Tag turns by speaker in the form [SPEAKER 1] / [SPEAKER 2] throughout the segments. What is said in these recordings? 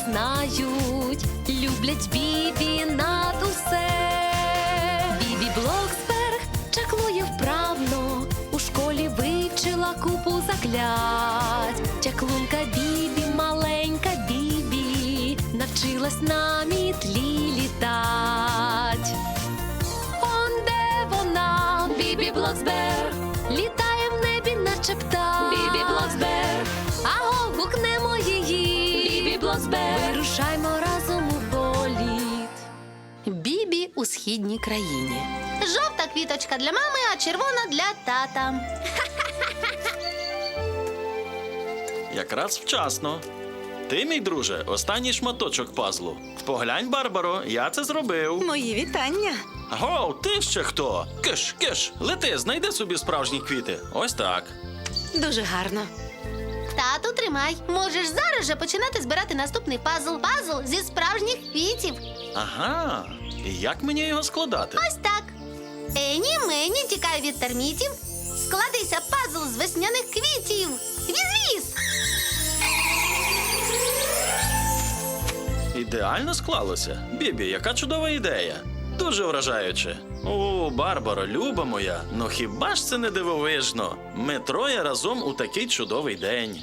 [SPEAKER 1] знають, люблять Бібі над усе. Бібі Блоксберг чаклує вправно, у школі вивчила купу заклять. Чаклунка Бібі, маленька Бібі, навчилась на мітлі літать. Он де вона, Бібі Блоксберг, літає в небі, наче птах. Бібі Блоксберг, аго, гукнемо її. Бібі Блоксберг, вирушаймо разом у політ. Бібі у східній країні.
[SPEAKER 2] Жовта квіточка для мами, а червона для тата.
[SPEAKER 3] Якраз вчасно. Ти, мій друже, останній шматочок пазлу. Поглянь, Барбаро, я це зробив.
[SPEAKER 4] Мої вітання.
[SPEAKER 3] Гоу, ти ще хто? Киш, киш, лети, знайди собі справжні квіти. Ось так.
[SPEAKER 4] Дуже гарно.
[SPEAKER 2] Тату, тримай. Можеш зараз же починати збирати наступний пазл. Пазл зі справжніх квітів.
[SPEAKER 3] Ага. І як мені його складати?
[SPEAKER 2] Ось так. Ені, мені, тікай від термітів. Складися пазл з весняних квітів. Віз-віз!
[SPEAKER 3] Ідеально склалося. Бібі, яка чудова ідея. Дуже вражаюче. О, Барбаро, люба моя, ну хіба ж це не дивовижно? Ми троє разом у такий чудовий день.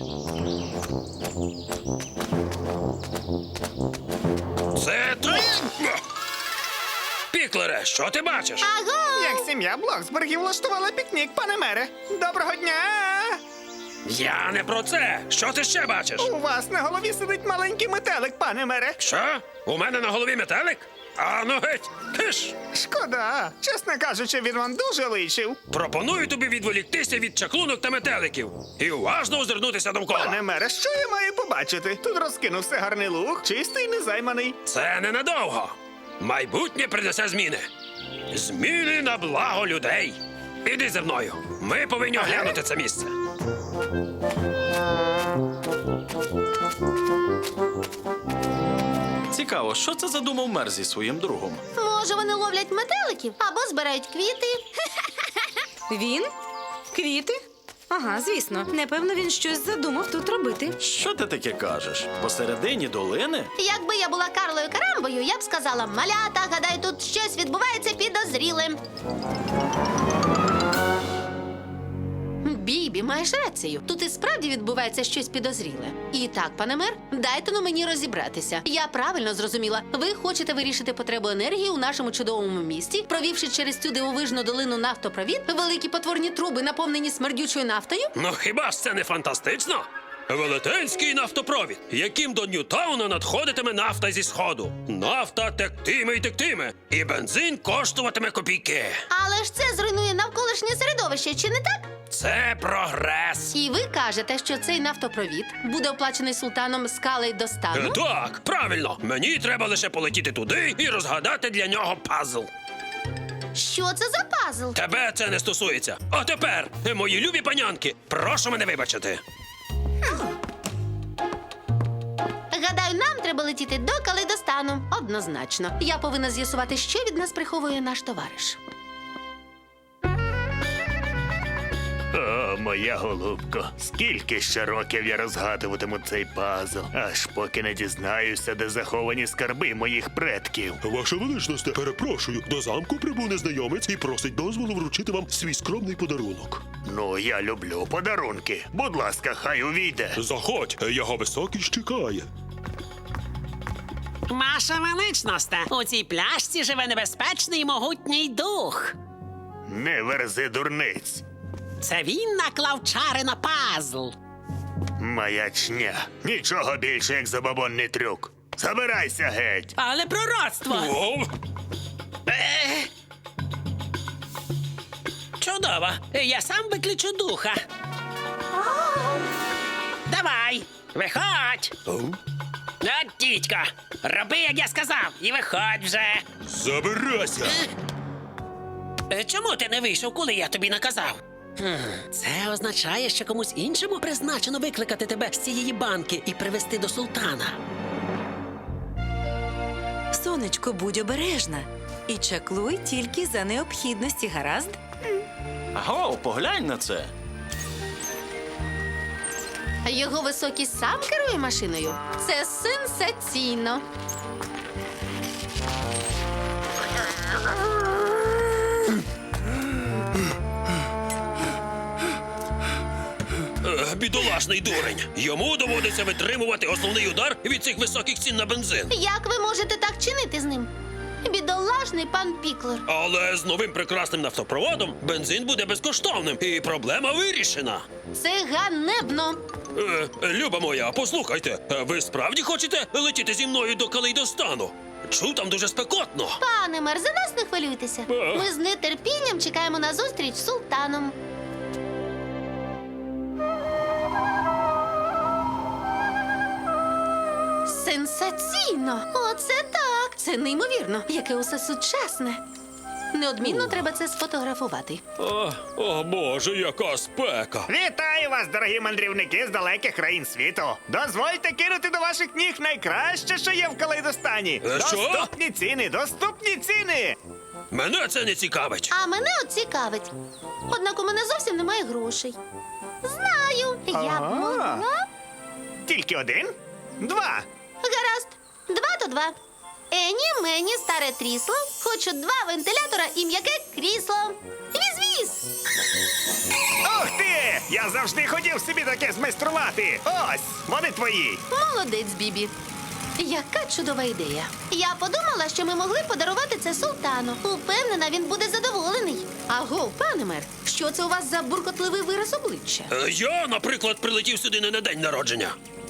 [SPEAKER 5] Це тут! Піклере, що ти бачиш?
[SPEAKER 2] Аго!
[SPEAKER 6] Як сім'я Блоксбергів влаштувала пікнік, пане мере. Доброго дня!
[SPEAKER 5] Я не про це. Що ти ще бачиш?
[SPEAKER 6] У вас на голові сидить маленький метелик, пане мере.
[SPEAKER 5] Що? У мене на голові метелик? А ну геть! Киш!
[SPEAKER 6] Шкода. Чесно кажучи, він вам дуже личив.
[SPEAKER 5] Пропоную тобі відволіктися від чаклунок та метеликів і уважно озирнутися довкола.
[SPEAKER 6] Пане мере, що я маю побачити? Тут розкинувся гарний луг, чистий, незайманий.
[SPEAKER 5] Це ненадовго. Майбутнє принесе зміни. Зміни на благо людей. Іди зі мною. Ми повинні оглянути це місце.
[SPEAKER 3] Цікаво, що це задумав мер зі своїм другом?
[SPEAKER 2] Може, вони ловлять метеликів або збирають квіти.
[SPEAKER 4] Він? Квіти? Ага, звісно. Непевно, він щось задумав тут робити.
[SPEAKER 3] Що ти таке кажеш? Посередині долини?
[SPEAKER 2] Якби я була Карлою Карамбою, я б сказала: малята, гадаю, тут щось відбувається підозріле. Бібі, маєш рацію. Тут і справді відбувається щось підозріле. І так, пане мер, дайте мені розібратися. Я правильно зрозуміла. Ви хочете вирішити потребу енергії у нашому чудовому місті, провівши через цю дивовижну долину нафтопровід, великі потворні труби, наповнені смердючою нафтою?
[SPEAKER 5] Ну хіба ж це не фантастично? Велетенський нафтопровід, яким до Ньютауна надходитиме нафта зі сходу. Нафта тектиме й тектиме, і бензин коштуватиме копійки.
[SPEAKER 2] Але ж це зруйнує навколишнє середовище, чи не так?
[SPEAKER 5] Це прогрес.
[SPEAKER 2] І ви кажете, що цей нафтопровід буде оплачений султаном скалей до стану?
[SPEAKER 5] Так, правильно. Мені треба лише полетіти туди і розгадати для нього пазл.
[SPEAKER 2] Що це за пазл?
[SPEAKER 5] Тебе це не стосується. А тепер, мої любі панянки, прошу мене вибачити.
[SPEAKER 2] Гадаю, нам треба летіти до Калейдостану. Однозначно. Я повинна з'ясувати, що від нас приховує наш товариш.
[SPEAKER 7] О, моя голубко, скільки ще років я розгадуватиму цей пазл, аж поки не дізнаюся, де заховані скарби моїх предків.
[SPEAKER 8] Ваша величність, перепрошую, до замку прибув незнайомець і просить дозволу вручити вам свій скромний подарунок.
[SPEAKER 7] Ну, я люблю подарунки. Будь ласка, хай увійде.
[SPEAKER 8] Заходь, його високість чекає.
[SPEAKER 9] Ваша величність, у цій пляшці живе небезпечний могутній дух.
[SPEAKER 7] Не верзи дурниць.
[SPEAKER 9] Це він наклав чари на пазл.
[SPEAKER 7] Маячня. Нічого більше, як забобонний трюк. Забирайся геть.
[SPEAKER 9] Але пророцтво!
[SPEAKER 5] О,
[SPEAKER 9] Чудово! Я сам виключу духа. Давай, виходь! От, дідько, роби, як я сказав, і виходь вже.
[SPEAKER 8] Забирайся!
[SPEAKER 9] Чому ти не вийшов, коли я тобі наказав? Це означає, що комусь іншому призначено викликати тебе з цієї банки і привезти до султана.
[SPEAKER 4] Сонечко, будь обережна. І чаклуй тільки за необхідності, гаразд?
[SPEAKER 3] Аго, поглянь на це.
[SPEAKER 2] Його високість сам керує машиною. Це сенсаційно.
[SPEAKER 5] Бідолашний дурень. Йому доводиться витримувати основний удар від цих високих цін на бензин.
[SPEAKER 2] Як ви можете так чинити з ним? Бідолашний пан Піклер.
[SPEAKER 5] Але з новим прекрасним нафтопроводом бензин буде безкоштовним, і проблема вирішена.
[SPEAKER 2] Це ганебно.
[SPEAKER 5] Люба моя, послухайте, ви справді хочете летіти зі мною до Калейдостану? Чув, там дуже спекотно.
[SPEAKER 2] Пане мер, за нас не хвилюйтеся. Ми з нетерпінням чекаємо на зустріч з султаном. Сенсаційно! Оце так! Це неймовірно, яке усе сучасне. Неодмінно треба це сфотографувати.
[SPEAKER 5] О Боже, яка спека!
[SPEAKER 6] Вітаю вас, дорогі мандрівники з далеких країн світу. Дозвольте кинути до ваших ніг найкраще, що є в Калейдостані.
[SPEAKER 5] Що?
[SPEAKER 6] Доступні ціни, доступні ціни.
[SPEAKER 5] Мене це не цікавить.
[SPEAKER 2] А мене от цікавить. Однак у мене зовсім немає грошей. Знаю, я б могла.
[SPEAKER 6] Тільки один? Два.
[SPEAKER 2] Гаразд, 2 то 2. Ені, мені, старе трісло. Хочу 2 вентилятора і м'яке крісло. Віз-віз!
[SPEAKER 6] Ух ти! Я завжди хотів собі таке змайструвати. Ось, вони твої.
[SPEAKER 2] Молодець, Бібі. Яка чудова ідея. Я подумала, що ми могли подарувати це султану. Упевнена, він буде задоволений. Аго, пане мер, що це у вас за буркотливий вираз обличчя?
[SPEAKER 5] Я, наприклад, прилетів сюди не на день народження.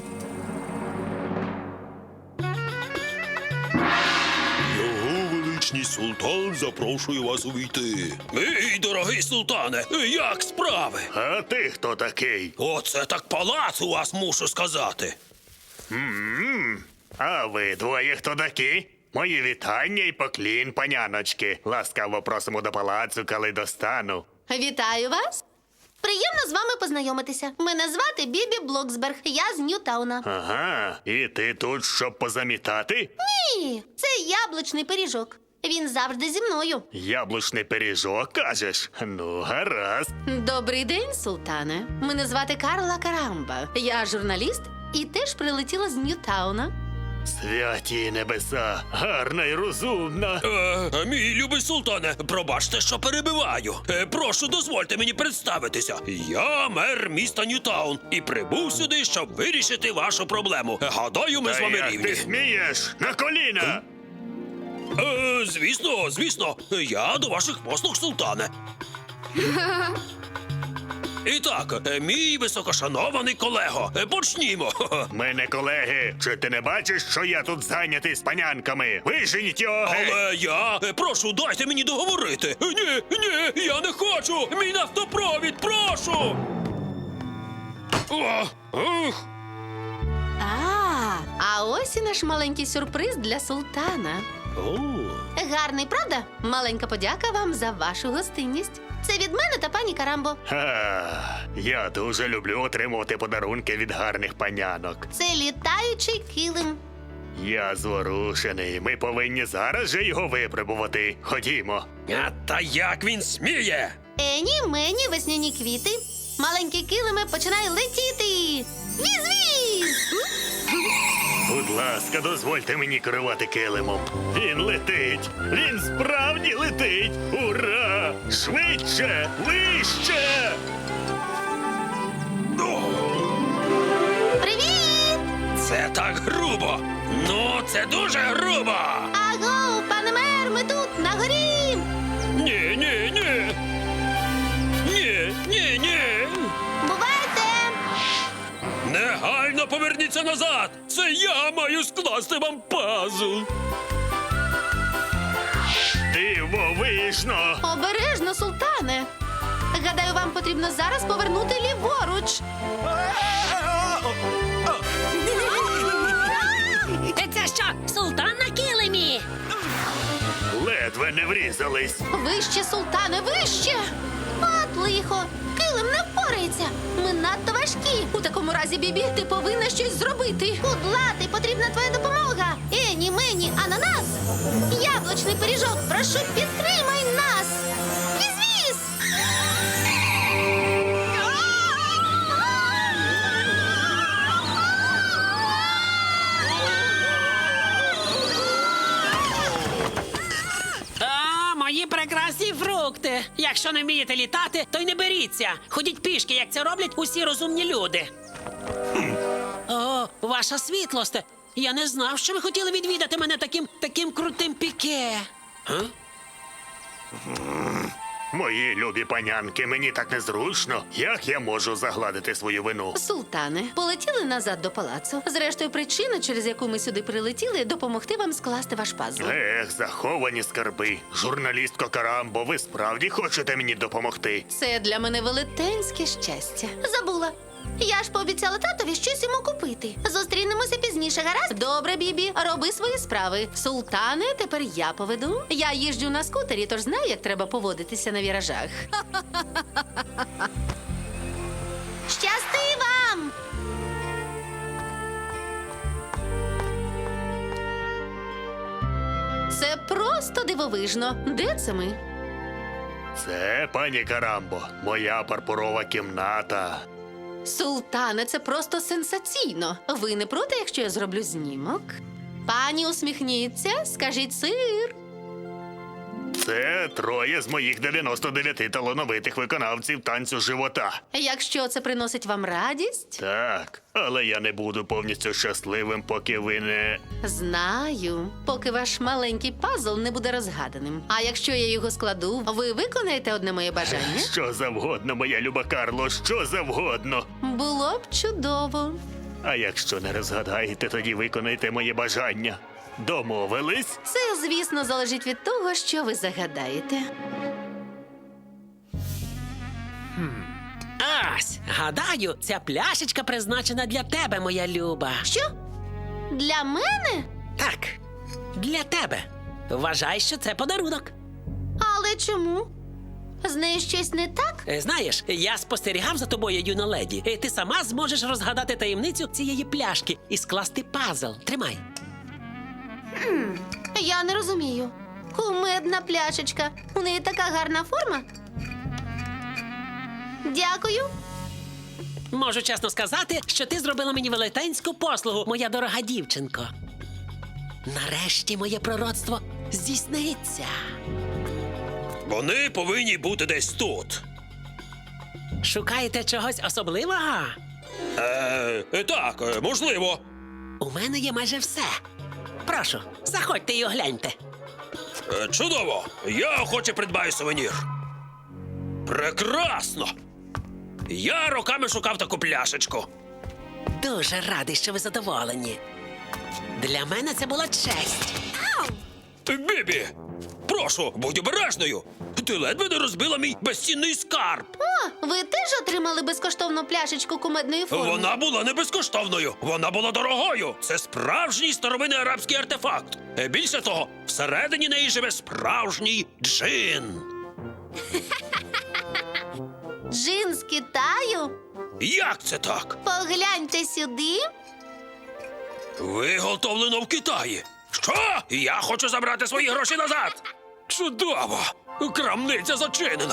[SPEAKER 8] Його величність султан запрошує вас увійти.
[SPEAKER 5] Мій дорогий султане, як справи?
[SPEAKER 7] А ти хто такий?
[SPEAKER 5] Оце так палац у вас, мушу сказати.
[SPEAKER 7] А ви двоє хто такі? Мої вітання і поклін, паняночки. Ласкаво просимо до палацу Калейдостану.
[SPEAKER 2] Вітаю вас. Приємно з вами познайомитися. Мене звати Бібі Блоксберг. Я з Ньютауна.
[SPEAKER 7] Ага, і ти тут, щоб позамітати?
[SPEAKER 2] Ні, це яблучний пиріжок. Він завжди зі мною.
[SPEAKER 7] Яблучний пиріжок, кажеш? Ну, гаразд.
[SPEAKER 2] Добрий день, султане. Мене звати Карла Карамба. Я журналіст і теж прилетіла з Ньютауна.
[SPEAKER 7] Святі небеса, гарна і розумна.
[SPEAKER 5] Мій любий султане, пробачте, що перебиваю. Прошу, дозвольте мені представитися. Я мер міста Ньютаун і прибув сюди, щоб вирішити вашу проблему. Гадаю, ми з
[SPEAKER 7] Та
[SPEAKER 5] вами
[SPEAKER 7] як
[SPEAKER 5] рівні.
[SPEAKER 7] ти смієш? На коліна!
[SPEAKER 5] Звісно, я до ваших послуг, султане. І так, мій високошанований колего, почнімо.
[SPEAKER 7] Ми не колеги. Чи ти не бачиш, що я тут зайнятий з панянками? Виженіть його геть!
[SPEAKER 5] Але прошу, дайте мені договорити. Ні, я не хочу. Мій нафтопровід, прошу.
[SPEAKER 2] А ось і наш маленький сюрприз для султана. Гарний, правда? Маленька подяка вам за вашу гостинність. Це від мене та пані Карамбо.
[SPEAKER 7] Я дуже люблю отримувати подарунки від гарних панянок.
[SPEAKER 2] Це літаючий килим.
[SPEAKER 7] Я зворушений. Ми повинні зараз же його випробувати. Ходімо.
[SPEAKER 5] А та як він сміє?
[SPEAKER 2] Ені, мені, весняні квіти. Маленький килиме починає летіти. Віз-віз!
[SPEAKER 7] Будь ласка, дозвольте мені керувати килимом. Він летить! Він справді летить! Ура! Швидше! Вище!
[SPEAKER 2] Привіт!
[SPEAKER 5] Це так грубо. Ну, це дуже грубо.
[SPEAKER 2] Аго, пане мер, ми тут, на горі!
[SPEAKER 5] Ні. Ні.
[SPEAKER 2] Бувайте!
[SPEAKER 5] Негайно поверніться назад. Це я маю скласти вам пазл.
[SPEAKER 7] Дивовижно!
[SPEAKER 2] Обережно, султане! Гадаю, вам потрібно зараз повернути ліворуч.
[SPEAKER 1] Це що, султан на килимі?
[SPEAKER 7] Ледве не врізались.
[SPEAKER 2] Вище, султане, вище! От лихо! Килим не впорається! Ми надто важкі! У такому разі, Бібі, ти повинна щось зробити! Кудлатий, потрібна твоя допомога! Ені, мені, ананас! Яблучний пиріжок, прошу, підтримай нас! Віз-віз!
[SPEAKER 9] Якщо не вмієте літати, то й не беріться. Ходіть пішки, як це роблять усі розумні люди. О, ваша світлосте. Я не знав, що ви хотіли відвідати мене таким крутим піке.
[SPEAKER 7] Мої любі панянки, мені так незручно. Як я можу загладити свою вину?
[SPEAKER 2] Султане, полетіли назад до палацу. Зрештою, причина, через яку ми сюди прилетіли, допомогти вам скласти ваш пазл.
[SPEAKER 7] Заховані скарби. Журналістко Карамбо, ви справді хочете мені допомогти?
[SPEAKER 2] Це для мене велетенське щастя. Забула. Я ж пообіцяла татові щось йому купити. Зустрінемося пізніше, гаразд? Добре, Бібі, роби свої справи. Султане, тепер я поведу. Я їжджу на скутері, тож знаю, як треба поводитися на віражах. Щасти вам! Це просто дивовижно. Де це ми?
[SPEAKER 7] Це, пані Карамбо, моя парпурова кімната.
[SPEAKER 2] Султане, це просто сенсаційно. Ви не проти, якщо я зроблю знімок? Пані, усміхніться, скажіть сир.
[SPEAKER 7] Це троє з моїх 99 талановитих виконавців танцю живота.
[SPEAKER 2] Якщо це приносить вам радість,
[SPEAKER 7] Так, але я не буду повністю щасливим, поки ви не...
[SPEAKER 2] знаю, поки ваш маленький пазл не буде розгаданим. А якщо я його складу, ви виконаєте одне моє бажання?
[SPEAKER 7] Що завгодно, моя люба Карло, що завгодно.
[SPEAKER 2] Було б чудово.
[SPEAKER 7] А якщо не розгадаєте, тоді виконайте моє бажання. Домовились?
[SPEAKER 2] Це, звісно, залежить від того, що ви загадаєте.
[SPEAKER 9] Ось, гадаю, ця пляшечка призначена для тебе, моя люба.
[SPEAKER 2] Що? Для мене?
[SPEAKER 9] Так, для тебе. Вважай, що це подарунок.
[SPEAKER 2] Але чому? З нею щось не так?
[SPEAKER 9] Знаєш, я спостерігав за тобою, юна леді. Ти сама зможеш розгадати таємницю цієї пляшки і скласти пазл. Тримай.
[SPEAKER 2] Я не розумію. Кумедна пляшечка. У неї така гарна форма. Дякую.
[SPEAKER 9] Можу чесно сказати, що ти зробила мені велетенську послугу, моя дорога дівчинко. Нарешті моє пророцтво здійсниться.
[SPEAKER 5] Вони повинні бути десь тут.
[SPEAKER 9] Шукаєте чогось особливого?
[SPEAKER 5] Так, можливо.
[SPEAKER 9] У мене є майже все. Прошу, заходьте і огляньте.
[SPEAKER 5] Чудово! Я охоче придбаю сувенір. Прекрасно! Я роками шукав таку пляшечку.
[SPEAKER 9] Дуже радий, що ви задоволені. Для мене це була честь.
[SPEAKER 5] Бібі, прошу, будь обережною. Ти ледве не розбила мій безцінний скарб.
[SPEAKER 2] О, ви теж отримали безкоштовну пляшечку кумедної форми?
[SPEAKER 5] Вона була не безкоштовною, вона була дорогою. Це справжній старовинний арабський артефакт. Більше того, всередині неї живе справжній джин.
[SPEAKER 2] Джин з Китаю?
[SPEAKER 5] Як це так?
[SPEAKER 2] Погляньте сюди.
[SPEAKER 5] Виготовлено в Китаї. Що? Я хочу забрати свої гроші назад. Чудово! Крамниця зачинена.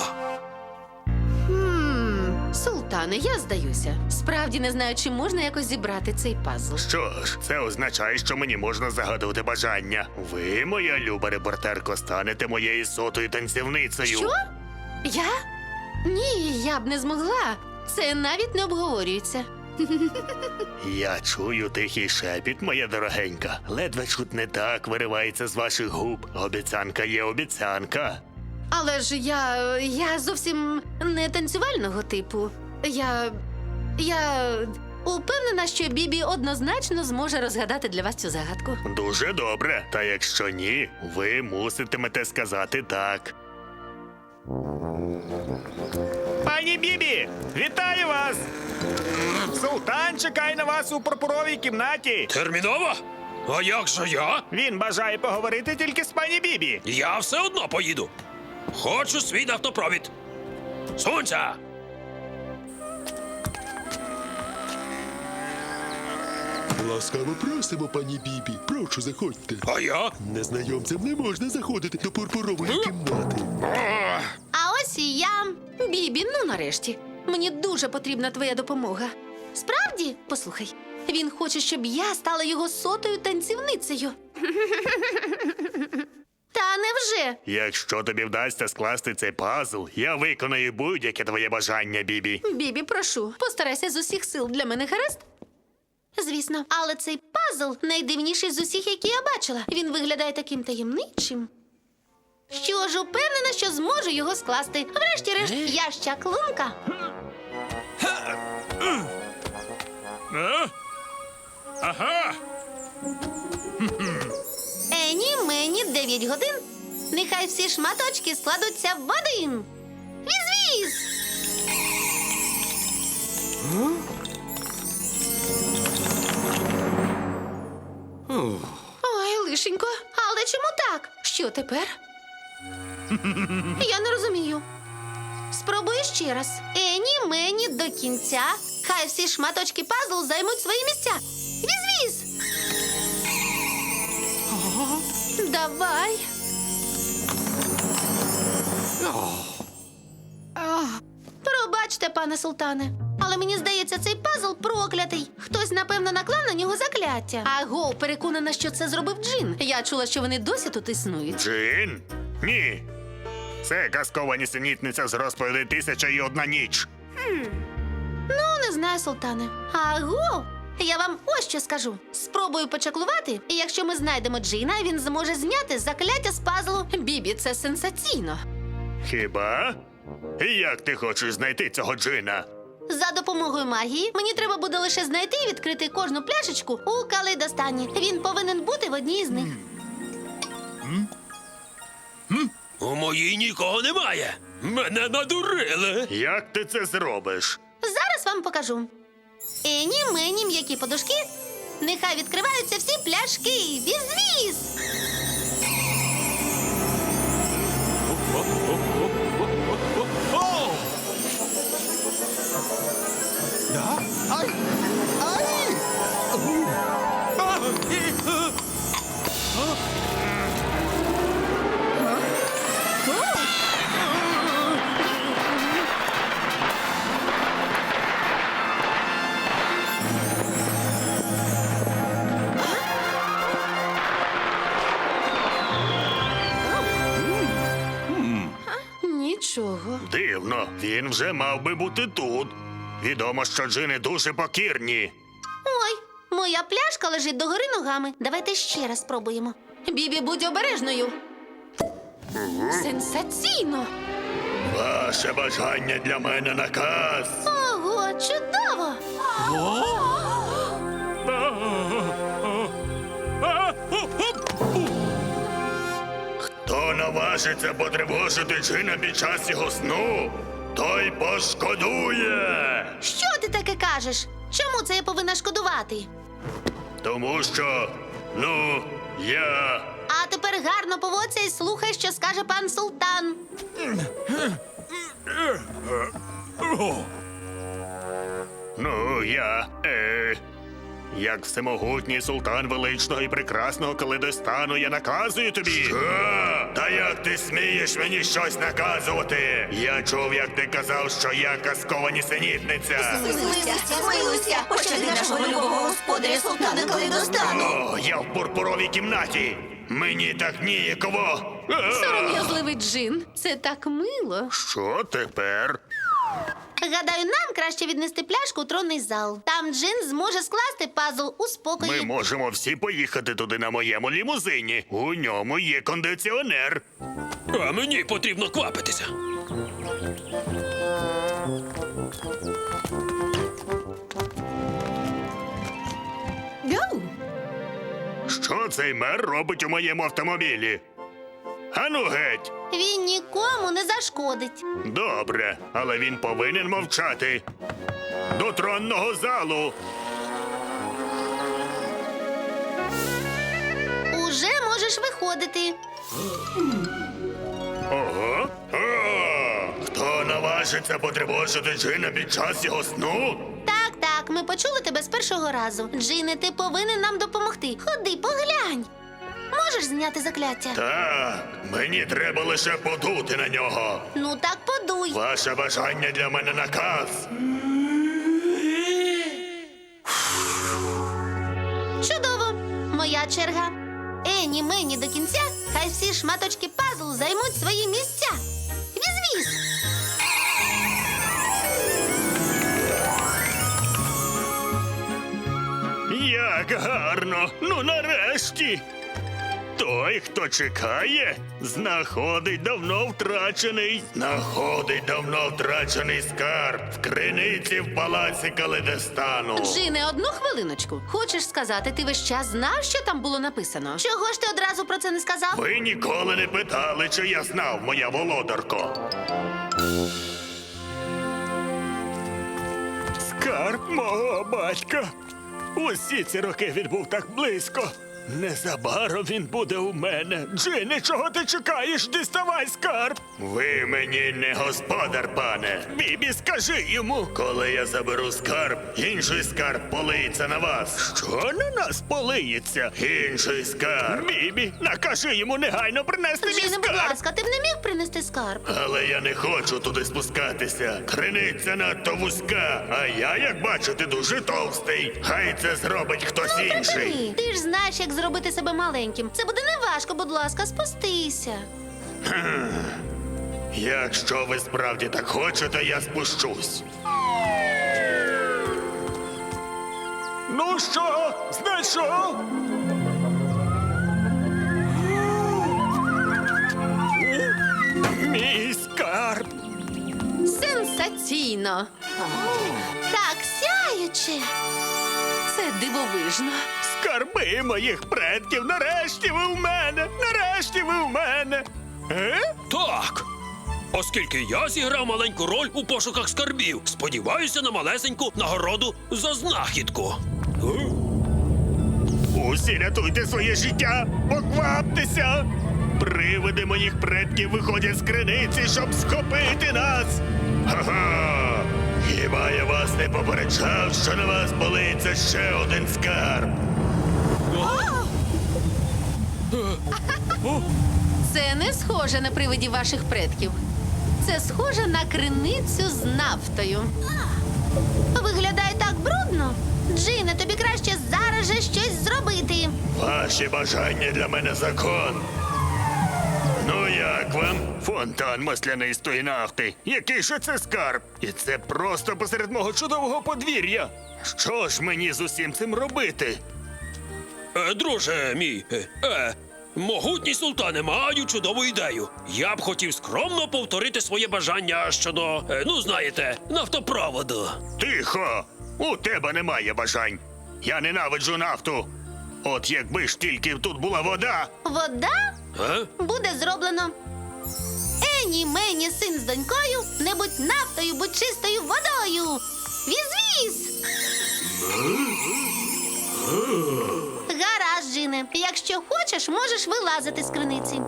[SPEAKER 2] Султане, я здаюся. Справді не знаю, чи можна якось зібрати цей пазл.
[SPEAKER 7] Що ж, це означає, що мені можна загадувати бажання. Ви, моя люба репортерко, станете моєю сотою танцівницею.
[SPEAKER 2] Що? Я? Ні, я б не змогла. Це навіть не обговорюється.
[SPEAKER 7] Я чую тихий шепіт, моя дорогенька. Ледве чутне так виривається з ваших губ. Обіцянка є обіцянка.
[SPEAKER 2] Але ж я зовсім не танцювального типу. Я упевнена, що Бібі однозначно зможе розгадати для вас цю загадку.
[SPEAKER 7] Дуже добре. Та якщо ні, ви муситимете сказати так.
[SPEAKER 6] Пані Бібі, вітаю вас! Султан чекає на вас у пурпуровій кімнаті.
[SPEAKER 5] Терміново? А як же я?
[SPEAKER 6] Він бажає поговорити тільки з пані Бібі.
[SPEAKER 5] Я все одно поїду. Хочу свій нафтопровід. Сунься!
[SPEAKER 8] Ласкаво просимо, пані Бібі. Прошу, заходьте.
[SPEAKER 5] А я?
[SPEAKER 8] Незнайомцям не можна заходити до пурпурової кімнати.
[SPEAKER 2] А ось і я. Бібі, ну нарешті. Мені дуже потрібна твоя допомога. Справді? Послухай, він хоче, щоб я стала його сотою танцівницею. Та невже?
[SPEAKER 7] Якщо тобі вдасться скласти цей пазл, я виконаю будь-яке твоє бажання, Бібі.
[SPEAKER 2] Бібі, прошу, постарайся з усіх сил для мене, гаразд? Звісно, але цей пазл найдивніший з усіх, які я бачила. Він виглядає таким таємничим. Що ж, упевнена, що зможу його скласти. Врешті-решт, я ж чаклунка.
[SPEAKER 6] Ага!
[SPEAKER 2] Ені, мені 9 годин. Нехай всі шматочки складуться в один. Віз-віз! Ой, лишенько, але чому так? Що тепер? Я не розумію. Спробую ще раз. Ені, мені до кінця. Хай всі шматочки пазлу займуть свої місця. Віз-віз! Давай. Пробачте, пане султане. Але мені здається, цей пазл проклятий. Хтось, напевно, наклав на нього закляття. Аго, переконана, що це зробив Джин. Я чула, що вони досі тут існують.
[SPEAKER 7] Джин? Ні. Це казкова нісенітниця з розповіді «1001 ніч».
[SPEAKER 2] Ну, не знаю, султане. Аго! Я вам ось що скажу. Спробую почаклувати, і якщо ми знайдемо Джина, він зможе зняти закляття з пазлу. Бібі, це сенсаційно.
[SPEAKER 7] Хіба? І як ти хочеш знайти цього Джина?
[SPEAKER 2] За допомогою магії мені треба буде лише знайти і відкрити кожну пляшечку у калейдостані. Він повинен бути в одній з них.
[SPEAKER 5] У моїй нікого немає. Мене надурили.
[SPEAKER 7] Як ти це зробиш?
[SPEAKER 2] Зараз вам покажу. Ені, мені, м'які подушки. Нехай відкриваються всі пляшки. Віз-віз! Нічого.
[SPEAKER 7] Дивно, він вже мав би бути тут. Відомо, що джини дуже покірні.
[SPEAKER 2] Ой, моя пляшка лежить догори ногами. Давайте ще раз спробуємо. Бібі, будь обережною. Сенсаційно!
[SPEAKER 7] Ваше бажання для мене наказ.
[SPEAKER 2] Ого, чудово!
[SPEAKER 7] Хто наважиться потривожити джина під час його сну, той пошкодує.
[SPEAKER 2] Що ти таке кажеш? Чому це я повинна шкодувати?
[SPEAKER 7] Тому що, я...
[SPEAKER 2] А тепер гарно поводься і слухай, що скаже пан султан.
[SPEAKER 7] Як всемогутній султан величного і прекрасного Калейдостану, я наказую тобі. Що? Та як ти смієш мені щось наказувати? Я чув, як ти казав, що я казкова нісенітниця.
[SPEAKER 10] Змилуйся, пощади нашого любого господаря султана Калейдостану.
[SPEAKER 7] О, я в пурпуровій кімнаті. Мені так ніяково.
[SPEAKER 2] Сором'язливий джин. Це так мило.
[SPEAKER 7] Що тепер?
[SPEAKER 2] Гадаю, нам краще віднести пляшку у тронний зал. Там джин зможе скласти пазл у спокої.
[SPEAKER 7] Ми можемо всі поїхати туди на моєму лімузині. У ньому є кондиціонер.
[SPEAKER 5] А мені потрібно квапитися.
[SPEAKER 7] Що цей мер робить у моєму автомобілі? Ану геть!
[SPEAKER 2] Він нікому не зашкодить.
[SPEAKER 7] Добре, але він повинен мовчати. До тронного залу.
[SPEAKER 2] Уже можеш виходити.
[SPEAKER 7] Ого. Хто наважиться потривожити джина під час його сну?
[SPEAKER 2] Так, ми почули тебе з першого разу. Джине, ти повинен нам допомогти. Ходи, поглянь. Можеш зняти закляття?
[SPEAKER 7] Так, мені треба лише подути на нього.
[SPEAKER 2] Ну так подуй.
[SPEAKER 7] Ваше бажання для мене наказ.
[SPEAKER 2] Чудово. Моя черга. Ені мені до кінця, хай всі шматочки пазлу займуть свої місця. Віз-віз!
[SPEAKER 7] Як гарно! Ну нарешті! Той, хто чекає, знаходить давно втрачений скарб в криниці в палаці Калейдостану.
[SPEAKER 2] Джине, одну хвилиночку. Хочеш сказати, ти весь час знав, що там було написано? Чого ж ти одразу про це не сказав?
[SPEAKER 7] Ви ніколи не питали, чи я знав, моя володарко. Скарб мого батька. Усі ці роки він був так близько. Незабаром він буде у мене. Джине, чого ти чекаєш? Діставай скарб. Ви мені не господар, пане. Бібі, скажи йому. Коли я заберу скарб, інший скарб полиється на вас. Що на нас полиється? Інший скарб. Бібі, накажи йому негайно принести мій
[SPEAKER 2] Джине, будь
[SPEAKER 7] скарб.
[SPEAKER 2] ласка, ти б не міг принести скарб?
[SPEAKER 7] Але я не хочу туди спускатися. Криниця надто вузька, а я, як бачите, дуже товстий. Хай це зробить хтось інший.
[SPEAKER 2] Ні, ти ж знаєш, як зробити себе маленьким. Це буде неважко, будь ласка, спустися.
[SPEAKER 7] Якщо ви справді так хочете, я спущусь. Ну що, знайшов? Мій скарб.
[SPEAKER 2] Сенсаційно. Так сяюче. Це дивовижно.
[SPEAKER 7] Скарби моїх предків, нарешті ви в мене! Нарешті ви в мене!
[SPEAKER 5] Так. Оскільки я зіграв маленьку роль у пошуках скарбів, сподіваюся на малесеньку нагороду за знахідку.
[SPEAKER 7] Усі рятуйте своє життя! Покваптеся! Привиди моїх предків виходять з криниці, щоб схопити нас! Ха-ха! Хіба я вас не попереджав, що на вас болиться ще один скарб?
[SPEAKER 2] Це не схоже на привидів ваших предків. Це схоже на криницю з нафтою. Виглядає так брудно. Джине, тобі краще зараз же щось зробити.
[SPEAKER 7] Ваші бажання для мене закон. Ну як вам? Фонтан маслянистої нафти. Який же це скарб? І це просто посеред мого чудового подвір'я. Що ж мені з усім цим робити?
[SPEAKER 5] Друже мій, могутній султане, маю чудову ідею. Я б хотів скромно повторити своє бажання щодо, ну знаєте, нафтопроводу.
[SPEAKER 7] Тихо! У тебе немає бажань. Я ненавиджу нафту. От якби ж тільки тут була вода.
[SPEAKER 2] Вода
[SPEAKER 5] А?
[SPEAKER 2] буде зроблено. Ені мені син з донькою, не будь нафтою, будь чистою водою. Віз-віз! Гаразд, Джине. Якщо хочеш, можеш вилазити з криниці.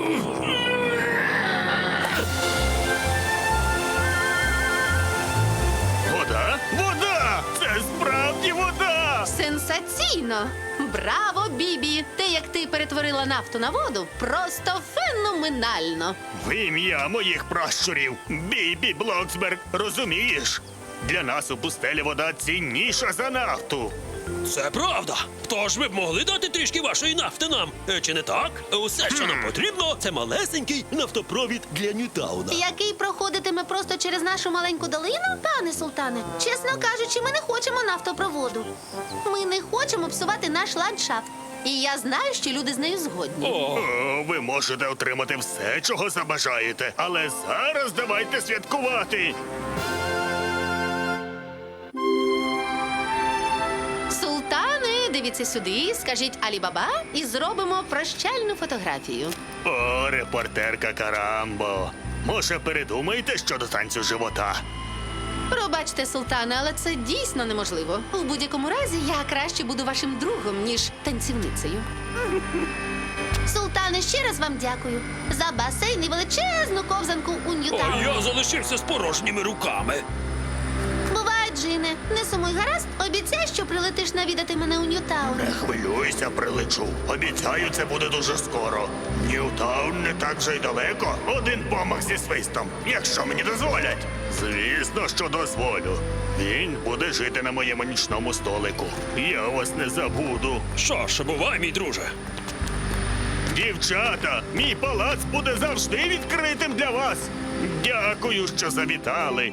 [SPEAKER 7] Вода? Вода! Це справді вода!
[SPEAKER 2] Сенсаційно! Браво, Бібі! Те, як ти перетворила нафту на воду, просто феноменально.
[SPEAKER 7] В ім'я моїх пращурів, Бібі Блоксберг, розумієш? Для нас у пустелі вода цінніша за нафту.
[SPEAKER 5] Це правда. Тож ви б могли дати трішки вашої нафти нам, чи не так? Усе, що нам потрібно, це малесенький нафтопровід для Ньютауна.
[SPEAKER 2] Який проходитиме просто через нашу маленьку долину, пане султане? Чесно кажучи, ми не хочемо нафтопроводу. Ми не хочемо псувати наш ландшафт. І я знаю, що люди з нею згодні.
[SPEAKER 7] О, ви можете отримати все, чого забажаєте, але зараз давайте святкувати.
[SPEAKER 2] Султане, дивіться сюди, скажіть Алі-Баба і зробимо прощальну фотографію.
[SPEAKER 7] О, репортерка Карамбо. Може, передумаєте щодо танцю живота?
[SPEAKER 2] Пробачте, султане, але це дійсно неможливо. У будь-якому разі я краще буду вашим другом, ніж танцівницею. Султане, ще раз вам дякую за басейн і величезну ковзанку у
[SPEAKER 5] А
[SPEAKER 2] Ньютауні.
[SPEAKER 5] я залишився з порожніми руками.
[SPEAKER 2] Бувай, Джине. Не сумуй, гаразд. Обіцяй, що прилетиш навідати мене у Ньютаун.
[SPEAKER 7] Не хвилюйся, прилечу. Обіцяю, це буде дуже скоро. Ньютаун не так вже й далеко. Один помах зі свистом, якщо мені дозволять. Звісно, що дозволю. Він буде жити на моєму нічному столику. Я вас не забуду.
[SPEAKER 5] Що ж, бувай, мій друже.
[SPEAKER 7] Дівчата, мій палац буде завжди відкритим для вас. Дякую, що завітали.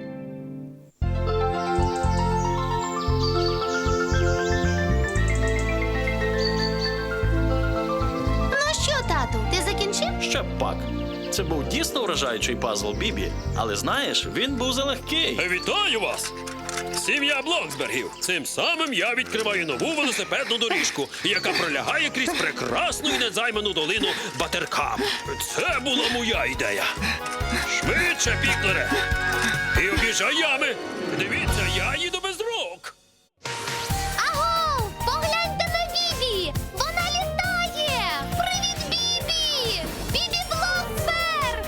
[SPEAKER 2] Ну що, тату, ти закінчив?
[SPEAKER 3] Ще б пак. Це був дійсно вражаючий пазл, Бібі. Але знаєш, він був залегкий.
[SPEAKER 5] Вітаю вас! Сім'я Блоксбергів. Цим самим я відкриваю нову велосипедну доріжку, яка пролягає крізь прекрасну і незайману долину Батеркам. Це була моя ідея. Швидше, Піклере! І об'їжджай ями! Дивіться, я їду без рук!
[SPEAKER 10] Аго! Погляньте на Бібі! Вона літає! Привіт, Бібі! Бібі Блоксберг!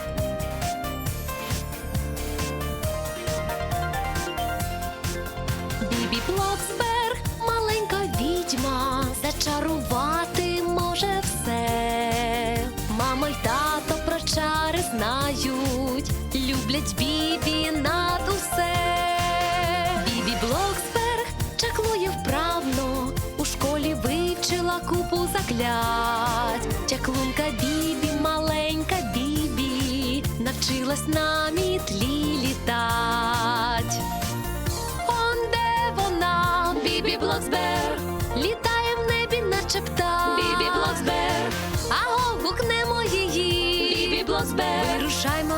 [SPEAKER 2] Бібі Блоксберг, маленька відьма, зачарувати може все. Мама й тато про чари знають, люблять Бібі над усе. Бібі Блоксберг чаклує вправно, у школі вивчила купу заклять. Чаклунка Бібі, маленька Бібі, навчилась на мітлі літать. Он де вона, Бібі Блоксберг, літає в небі, наче птах. Бібі Блоксберг, аго, гукнемо її. Бібі Блоксберг, вирушаймо